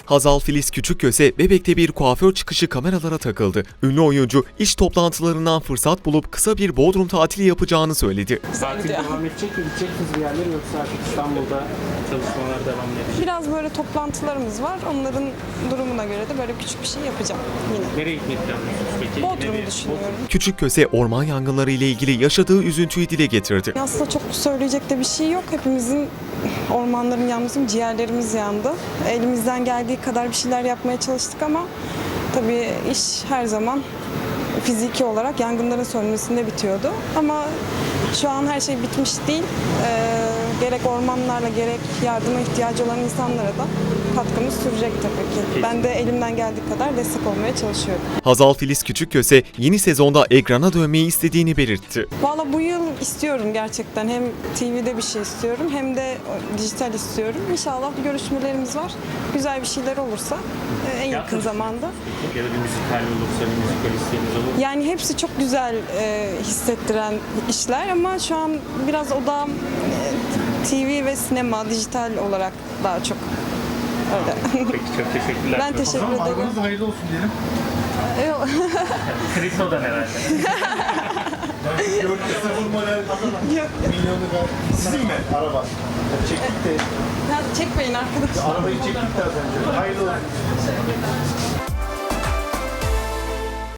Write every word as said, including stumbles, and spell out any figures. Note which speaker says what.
Speaker 1: Hazal Filiz Küçükköse Bebek'te bir kuaför çıkışı kameralara takıldı. Ünlü oyuncu iş toplantılarından fırsat bulup kısa bir Bodrum tatili yapacağını söyledi.
Speaker 2: Tatil devam edecek mi? Gidecek misiniz bir yerlere yoksa artık İstanbul'da çalışmalar devam edecek?
Speaker 3: Biraz böyle toplantılarımız var. Onların durumuna göre de böyle küçük bir şey yapacağım yine.
Speaker 2: Nereye gitmeyi planlıyorsunuz peki?
Speaker 3: Bodrum'u
Speaker 2: Nereye?
Speaker 3: düşünüyorum.
Speaker 1: Küçükköse orman yangınları ile ilgili yaşadığı üzüntüyü dile getirdi.
Speaker 3: Aslında çok söyleyecek de bir şey yok. Hepimizin ormanların yanması, ciğerlerimiz yandı. Elimizden geldiği kadar bir şeyler yapmaya çalıştık ama tabii iş her zaman fiziki olarak yangınların sönmesinde bitiyordu. Ama şu an her şey bitmiş değil. Ee, gerek ormanlarla gerek yardıma ihtiyacı olan insanlara da katkımız sürecek tabii ki. Ben de elimden geldiği kadar destek olmaya çalışıyorum.
Speaker 1: Hazal Filiz Küçükköse yeni sezonda ekrana dönmeyi istediğini belirtti.
Speaker 3: Valla bu yıl istiyorum gerçekten. Hem T V'de bir şey istiyorum hem de dijital istiyorum. İnşallah bir görüşmelerimiz var. Güzel bir şeyler olursa e, en yakın zamanda.
Speaker 2: Ya da bir müzikal olursa bir müzikal isteğiniz olur mu?
Speaker 3: Yani hepsi çok güzel e, hissettiren işler ama şu an biraz odağım e, T V ve sinema, dijital olarak daha çok öyle.
Speaker 2: Peki çok teşekkürler.
Speaker 3: Ben teşekkür ederim.
Speaker 4: Arabanız hayırlı olsun diyelim.
Speaker 3: Yok.
Speaker 2: Kristo'dan herhalde.
Speaker 4: Gördük sıfır model milyonu galiba. Sizin mi araba? Çektik de.
Speaker 3: Ya çekmeyin arkadaşlar.
Speaker 4: Arabayı çektik de az önce. Hayırlı olsun.